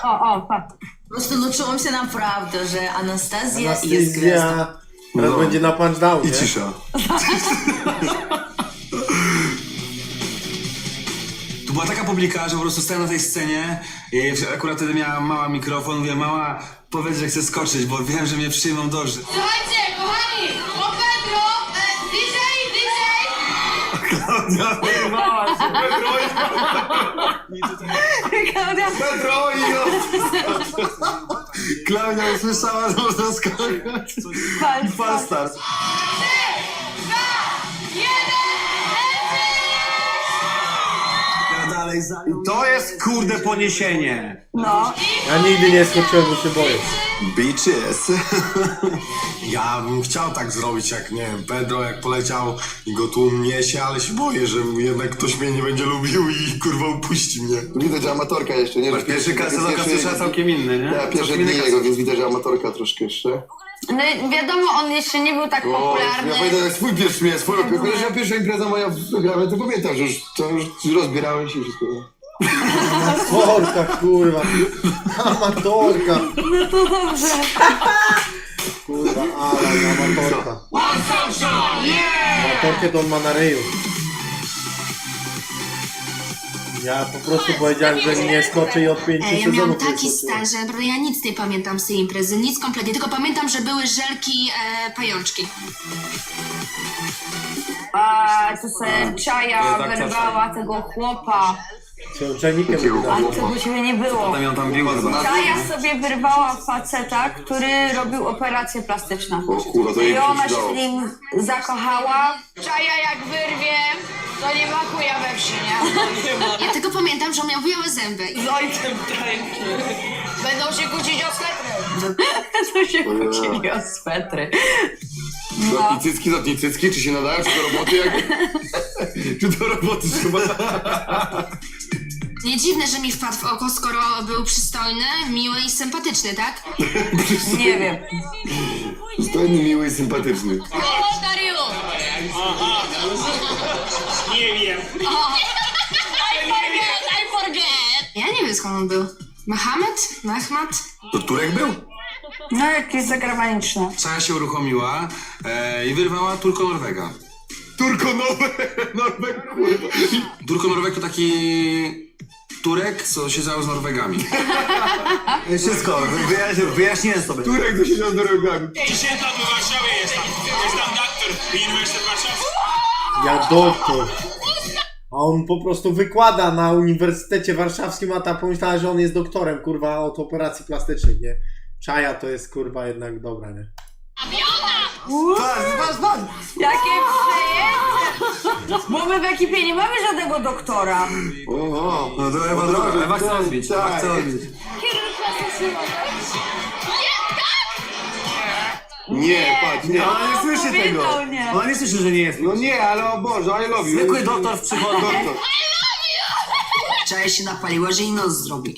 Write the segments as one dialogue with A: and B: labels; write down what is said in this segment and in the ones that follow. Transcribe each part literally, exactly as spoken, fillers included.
A: O, o, patrz.
B: Просто ну czułam się naprawdę, że Anastazja jest gwiazdą.
C: Anastazja. Teraz
D: No.
C: będzie na punchdown,
D: I
C: nie?
D: cisza. Tu była taka publika, że po prostu stałem na tej scenie i akurat wtedy miała mała mikrofon, mówię, mała, powiedz, że chcę skoczyć, bo wiem, że mnie przyjmą dobrze.
E: Słuchajcie, kochani, o Pedro, e, D J, D J!
D: Klaudia wyrwała się, Pedro i...
A: Klaudia,
D: Pedro i... Klaudia usłyszała, że można skakać.
A: patrz,
D: Fal start. Ja dalej za nią.
F: I to jest kurde poniesienie.
A: no.
C: Ja nigdy nie skoczyłem, bo się boję.
D: Bitches.
G: Ja bym chciał tak zrobić, jak nie wiem, Pedro jak poleciał i go tu niesie, ale się boję, że jednak ktoś mnie nie będzie lubił i kurwa upuści mnie.
H: Widać, że amatorka jeszcze, nie? Że
F: Pierwszy kasę do
H: pierwszy-
F: kasy całkiem inny, nie?
H: Ja pierwsze
F: Całkiem inny
H: dni
F: kasy.
H: jego, więc widać, że amatorka troszkę jeszcze.
A: No wiadomo, on jeszcze nie był tak
H: O,
A: popularny.
H: ja pamiętam jak swój pierwszy miałem, swoją pierwszą, ja pierwsza impreza moja wygrała, to pamiętam, że już, to już rozbierałem się i wszystko.
C: Amatorka, kurwa. Amatorka.
A: No to dobrze.
C: Kurwa, ale amatorka. Amatorkę to on ma na ryju. Ja po prostu powiedziałem, że nie skoczę i od pięciu
I: Ej, ja
C: sezonów
I: miałam
C: nie
I: taki
C: skoczyłem.
I: stan, że naprawdę ja nic nie pamiętam z tej imprezy, nic kompletnie, tylko pamiętam, że były żelki, e, pajączki.
A: A to se Czaja
F: To jest akcja
A: wyrwała tego chłopa.
C: Czy czajnikiem
A: A tego ciebie nie było.
F: Tam ją tam biła chyba.
A: Czaja sobie wyrwała faceta, który robił operację plastyczną.
H: O kurwa, to jej
A: I ona
H: się
A: się
H: przydało.
A: w nim zakochała.
E: Czaja jak wyrwie, to nie ma chuja we wsi, nie?
I: Ja tylko pamiętam, że on miał białe zęby.
E: Z ojcem będą się kłócić o swetry.
A: To się kłócili o swetry.
H: Zatnij cycki, zatnij cycki, czy się nadają, czy do roboty jak... czy do roboty trzeba...
I: Nie dziwne, że mi wpadł w oko, skoro był przystojny, miły i sympatyczny, tak?
A: Nie wiem.
H: Stojny, miły i sympatyczny.
E: O, Dario!
J: Nie wiem.
E: I forget, I forget!
I: Ja nie wiem, skąd on był. Mohamed? Mahmad?
D: To Turek był?
A: No jakieś zagraniczne.
D: Czaja się uruchomiła e, i wyrwała Turko Norwega.
H: Turko nowe, Norweg, kurwa.
D: Turko Norweg to taki Turek, co siedział z Norwegami.
F: Wszystko, wyjaśniłem, wyjaśniłem sobie.
H: Turek to siedział z Norwegami.
J: Dzisiaj tam w Warszawie jest tam. Jest tam doktor Uniwersytet Warszawski.
C: Ja doktor. A on po prostu wykłada na Uniwersytecie Warszawskim, a ta pomyślała, że on jest doktorem, kurwa, od operacji plastycznych, nie? Czaja to jest, kurwa, jednak dobra, nie?
F: Patrz, patrz, patrz!
A: Jakie przejęcie! Bo my w ekipie nie mamy żadnego doktora.
H: Oho.
F: No to Ewa droga, Ewa chce odbić, Ewa chce odbić.
H: Nie, patrz, nie.
F: Ona nie słyszy tego.
A: powiedział nie.
F: Ona nie słyszy, że nie jest.
H: No nie, ale o Boże, I love you.
F: Zwykły doktor w przychodni.
H: Doktor.
B: Czaja się napaliła, że jej nos zrobi.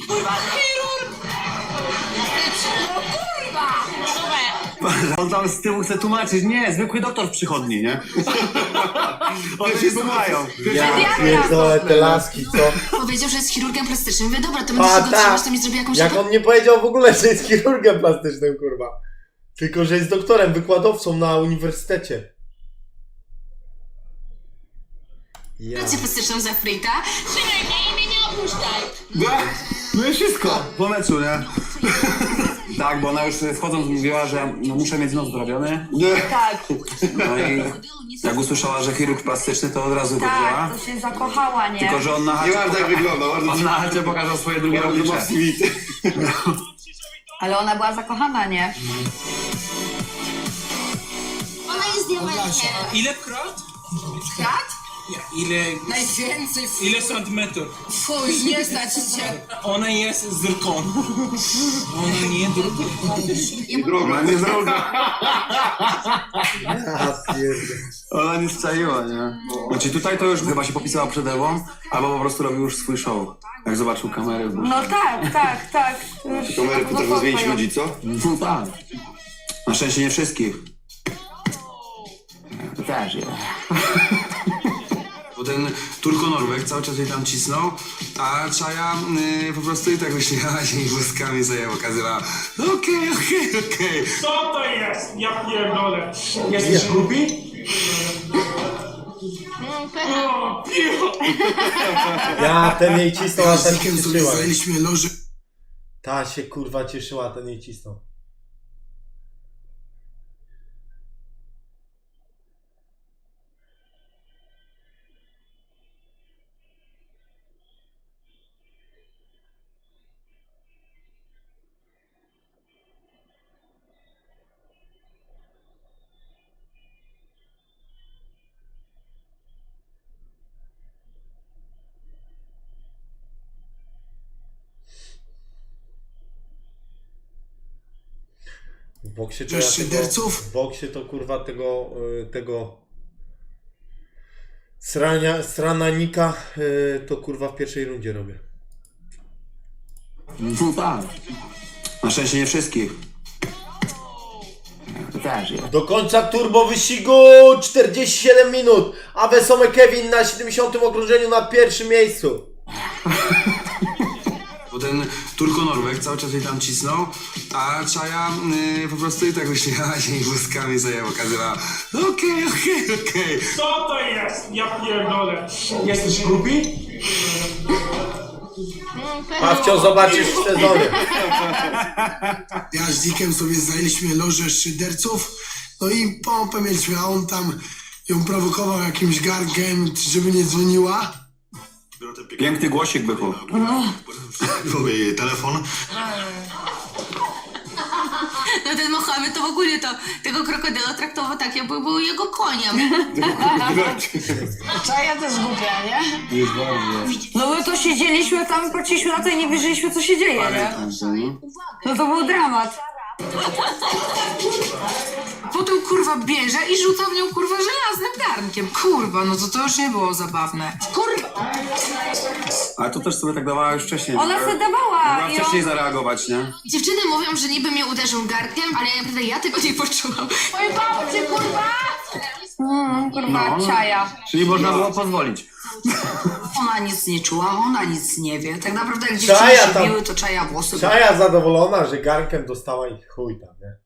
F: On tam z tyłu chce tłumaczyć, nie, zwykły doktor w przychodni, nie? One się słuchają.
C: Ja pierdolę te laski, co?
I: Powiedział, że jest chirurgiem plastycznym. Mówię, dobra, to będę
C: A
I: się go
C: tak,
I: trzymać, to mi zrobi jakąś...
C: jak on nie powiedział w ogóle, że jest chirurgiem plastycznym, kurwa. Tylko, że jest doktorem, wykładowcą na uniwersytecie. Ja.
I: operację plastyczną za frita.
E: Trzymaj mnie i mnie nie opuszczaj.
F: No i wszystko, po meczu, nie? Tak, bo ona już wchodząc mówiła, że no, muszę mieć nos zrobiony.
H: Nie.
A: Tak,
F: No i jak usłyszała, że chirurg plastyczny, to od razu go wzięła.
A: tak, to się zakochała, nie?
F: Tylko, że on na
H: Nie
F: chacie,
H: bardzo tak wygląda, bardzo
F: on na chacie pokazał swoje drugie
H: bardzo ma
F: oblicze.
H: swity.
A: Ale ona była zakochana, nie?
I: Ona jest diamentem.
J: Ile krat?
I: Krat?
J: Ile...
B: Najwięcej
J: Ile centymetrów?
B: fuj, nie stać cię.
J: Ona jest zirkon. Ona nie druga.
H: Droga, nie droga.
C: Ja pierdolę.
F: Ona nie strzaiła, nie? Znaczy tutaj to już chyba się popisała przed Ewą, albo po prostu robił już swój show. Jak zobaczył kamerę. Bo...
A: No tak, tak, tak. Już
H: Kamery potrafią zmienić ludzi, co?
F: No tak. Na szczęście nie wszystkich. To też, ja.
D: Bo ten Turko-Norweg cały czas jej tam cisnął, a Czaja y, po prostu i tak uśmiechała się i włoskami sobie pokazywała. Okej, okej, okej.
J: Co to jest? Ja pierdolę. Jesteś głupi? O, piwo!
C: Ja, ten jej cisnął, a ten się cieszyła.
G: Zajęliśmy loże.
C: Ta się kurwa cieszyła, ten jej cisnął. W boksie to ja
G: Cześć,
C: tego,
G: szyderców.
C: w boksie to kurwa tego, y, tego srania, strananika y, to kurwa w pierwszej rundzie robię.
F: No tak. Na szczęście nie wszystkich. To też jest.
C: Do końca turbo wyścigu czterdzieści siedem minut, a Wesoły Kevin na siedemdziesiątym okrążeniu na pierwszym miejscu.
D: Bo ten Turko-Norweg cały czas jej tam cisnął, a Czaja y, po prostu i tak uśmiechała się i włoskami sobie pokazywała. Okej, okej, okej.
J: Co to jest? Ja pierdolę. Jesteś głupi?
C: A wciąż zobaczysz w sezonie.
G: Ja z Dickiem sobie zajęliśmy loże szyderców, no i pompę mieliśmy, a on tam ją prowokował jakimś gargiem, żeby nie dzwoniła.
F: Piękny głosik bychu.
G: Mówię jej telefon.
B: No ten Mohamed to w ogóle to tego krokodyla traktował tak, jakby był jego koniem.
A: Czaja też głupia, nie? No my to siedzieliśmy tam i patrzyliśmy na to i nie wierzyliśmy, co się dzieje, nie? No to był dramat.
I: Potem kurwa bierze i rzuca w nią kurwa żelaznym garnkiem. Kurwa, no to to już nie było zabawne. Kurwa!
F: Ale to też sobie tak dawała już wcześniej.
A: Ona
F: żeby-
A: se dawała
F: Mogła
A: i
F: wcześniej
A: on...
F: zareagować, nie?
I: Dziewczyny mówią, że niby mnie uderzył garnkiem, ale ja naprawdę ja tego nie poczułam.
A: Pojebało cię, kurwa! Mm, kurwa,
F: No.
A: Czaja.
F: Czyli można było pozwolić.
B: Ona nic nie czuła, ona nic nie wie. Tak naprawdę jak
C: Czaja
B: dziewczyny się
C: tam-
B: biły, to Czaja włosy.
C: Czaja zadowolona, że garnkiem dostała i chuj tam, nie?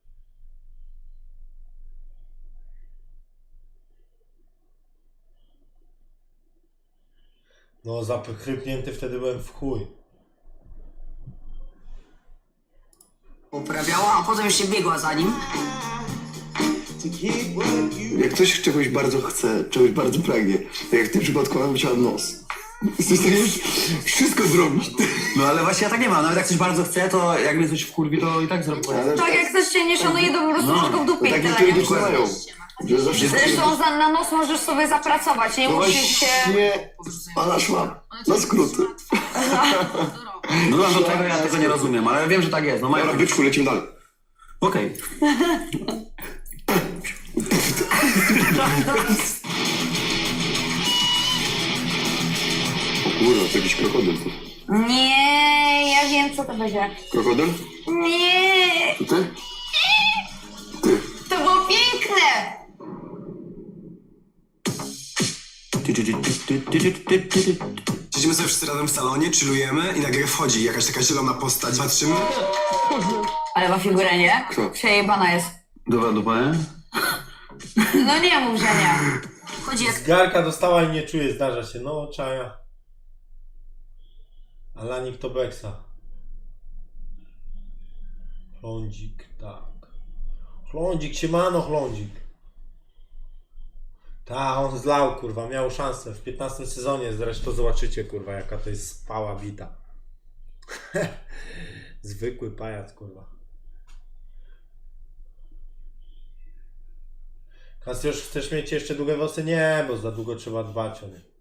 C: No zapchrypnięty wtedy byłem w chuj.
B: Uprawiała, a potem się biegła za nim.
H: Jak ktoś czegoś bardzo chce, czegoś bardzo pragnie, tak jak w tym przypadku ona musiała nos. Jesteś w stanie wszystko zrobić.
F: No ale właśnie ja tak nie mam. Nawet jak coś bardzo chcę, to jak mnie coś wkurwi, to i tak zrobię.
A: Tak jak ktoś cię nie szanuje, to po prostu
F: No,
A: masz go w dupie i
H: Tak
A: tyle,
H: niektórzy
A: nie?
H: duszy mają. Że zawsze
A: Zresztą za, na nos możesz sobie zapracować, nie
H: no
A: musisz
H: właśnie,
A: się...
H: pana szła na skróty.
F: No do tego ja tego nie rozumiem, ale wiem, że tak jest. No mają.
H: Dobra, byczku, lecimy dalej.
F: Okej.
H: O kurwa, to jakiś krokodyl.
A: Nie, ja wiem, co to będzie.
H: Krokodyl?
A: Nie,
H: To ty? Ty.
A: to było piękne!
G: Siedzimy sobie wszyscy razem w salonie, chillujemy i nagle wchodzi jakaś taka zielona postać. Patrzymy.
A: Ale ma figurę, nie?
H: Kto?
A: Przejebana jest.
F: Dobra, dupa, nie?
A: No nie mów, że nie.
B: Chodzi jak
C: Garka dostała i nie czuje, zdarza się. No, Czaja. Alanik to Beksa. Chlądzik, tak. Chlądzik, siemano, chlądzik. Ta, on zlał, kurwa, miał szansę. W piętnastym sezonie zresztą zobaczycie, kurwa, jaka to jest spała bita. Zwykły pajac, kurwa. Kasjusz, chcesz mieć jeszcze długie włosy? Nie, bo za długo trzeba dbać o nie.